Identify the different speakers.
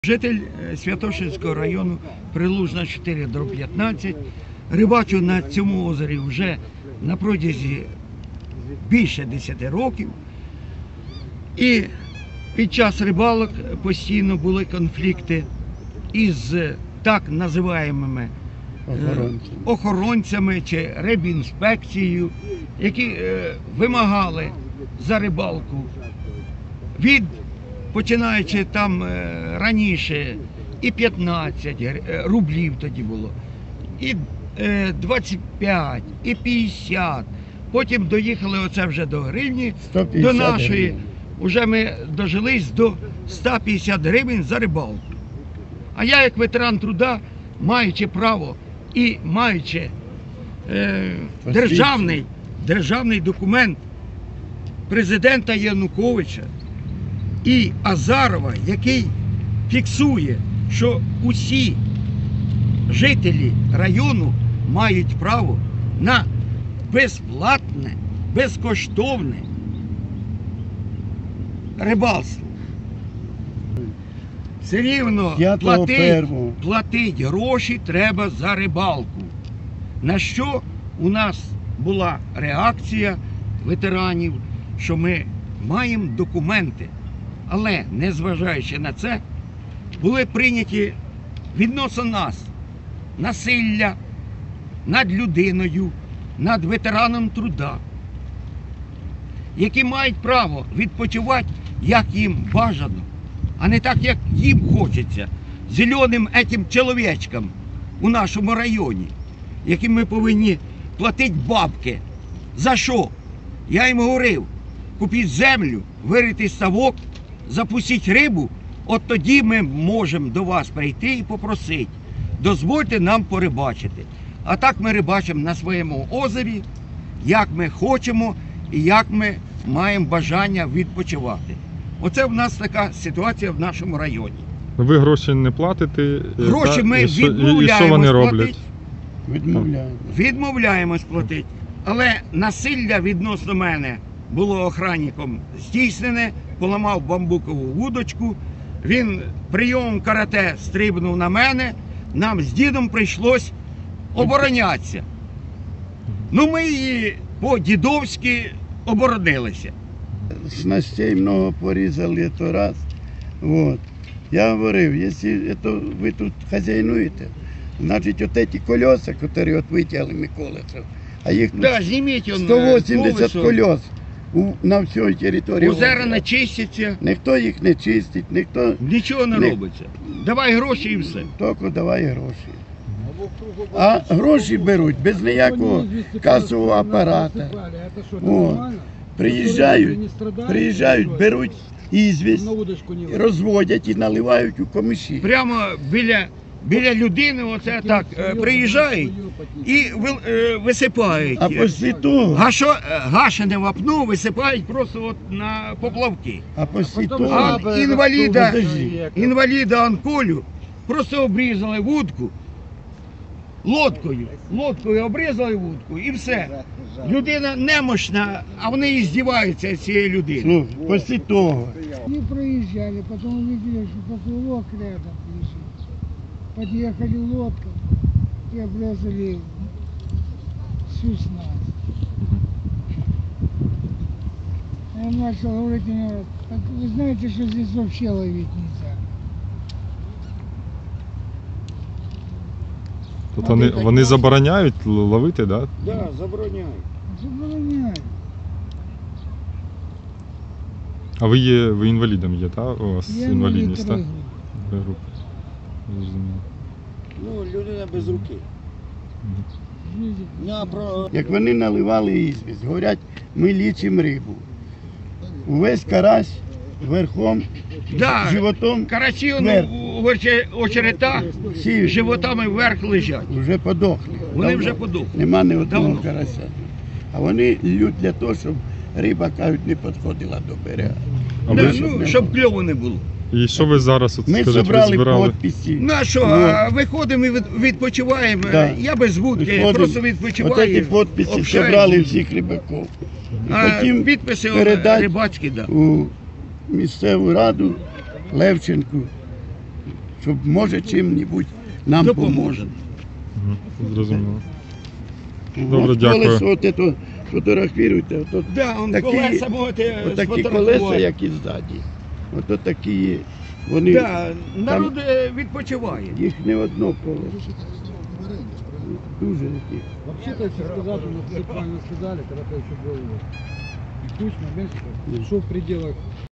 Speaker 1: Житель Святошинського району, Прилужна 4/15. Рибачу на цьому озері вже на протязі більше 10 років. І під час рибалок постійно були конфлікти із так називаємими охоронцями чи рибінспекцією, які вимагали за рибалку починаючи там раніше і 15 рублів тоді було, і 25, і 50. Потім доїхали оце вже до гривні, до нашої. Гривень. Уже ми дожились до 150 гривень за рибалку. А я як ветеран труда, маючи право і маючи державний документ президента Януковича і Азарова, який фіксує, що усі жителі району мають право на безплатне, безкоштовне рибальство. Все рівно платить гроші треба за рибалку. На що у нас була реакція ветеранів, що ми маємо документи. Але, незважаючи на це, були прийняті відносно нас насилля над людиною, над ветераном труда, які мають право відпочивати, як їм бажано, а не так, як їм хочеться, зеленим этим чоловічкам у нашому районі, яким ми повинні платити бабки. За що? Я їм говорив, купіть землю, вирити ставок, запустіть рибу, от тоді ми можемо до вас прийти і попросити, дозвольте нам порибачити. А так ми рибачимо на своєму озері, як ми хочемо і як ми маємо бажання відпочивати. Оце в нас така ситуація в нашому районі.
Speaker 2: Ви гроші не платите?
Speaker 1: Гроші ми відмовляємось платити. Відмовляємось платити. Але насилля відносно мене було охранником здійснене, поламав бамбукову вудочку, він прийомом карате стрибнув на мене, нам з дідом прийшлось оборонятися. Ну ми її по-дідовськи оборонилися.
Speaker 3: Снастей много порізали, то раз. Вот. Я говорив, якщо ви тут хазяйнуєте, значить от ці колеса, які от витягли Миколицев, а їх тут 180 колес на всій території.
Speaker 1: Озера не чистяться.
Speaker 3: Ніхто їх не чистить,
Speaker 1: нічого не робиться. Давай гроші і все.
Speaker 3: Тільки давай гроші. А гроші беруть без ніякого касового апарату. Приїжджають, беруть ізвість, розводять і наливають у комиші.
Speaker 1: Прямо біля людини оце так приїжджають і висипають.
Speaker 3: А після того
Speaker 1: гашене вапно висипають просто от на поплавки.
Speaker 3: А після того
Speaker 1: інваліда Анколю просто обрізали вудку лодкою обрізали вудку і все. Людина немощна, а вони і здіваються з цієї людини.
Speaker 3: Після того.
Speaker 4: Они проезжали, потом увидели, что поплавок рядом лежит. Подъехали лодка и обрезали всю снасть. Он начал говорить мне, вы знаете, что здесь вообще ловить нельзя.
Speaker 2: Тобто вони забороняють ловити, так?
Speaker 1: Да? Так, забороняють.
Speaker 4: Забороняють.
Speaker 2: А ви інвалідом є, так? У вас інвалідність, так?
Speaker 1: Ну, людина без руки.
Speaker 3: Як вони наливали ізвість, говорять, ми лічимо рибу. Увесь карась верхом, животом
Speaker 1: карасі в очеретах животами вверх лежать.
Speaker 3: Вже подохли.
Speaker 1: Вони вже подохли.
Speaker 3: Нема ні одного карася. А вони лють для того, щоб риба, кажуть, не підходила до берега.
Speaker 1: Щоб кльову не було.
Speaker 2: І що ви зараз,
Speaker 3: ми зібрали підписи.
Speaker 1: Ну а що, виходимо і відпочиваємо. Я без вудки, просто відпочиваю.
Speaker 3: Ось ці підписи зібрали всіх рибаків.
Speaker 1: Потім підписи рибацькі,
Speaker 3: у місцеву раду Левченку щоб може чим-небудь нам
Speaker 1: Допоможе.
Speaker 3: поможе.
Speaker 2: Зрозуміло. Добре,
Speaker 3: От
Speaker 2: дякую.
Speaker 3: колесо, от ето, фотографіруйте, от
Speaker 1: Да, он
Speaker 3: такі,
Speaker 1: колеса можете
Speaker 3: отакі
Speaker 1: сфотографувати.
Speaker 3: колеса, як і ззаді. Ото такі є. Вони,
Speaker 1: Да, народ відпочиває.
Speaker 3: їх не одно колесо. Дуже такі.
Speaker 5: Вообще-то, если сказать, мы все правильно сказали, когда-то еще был и Кучма, Меньшиков, шел в пределах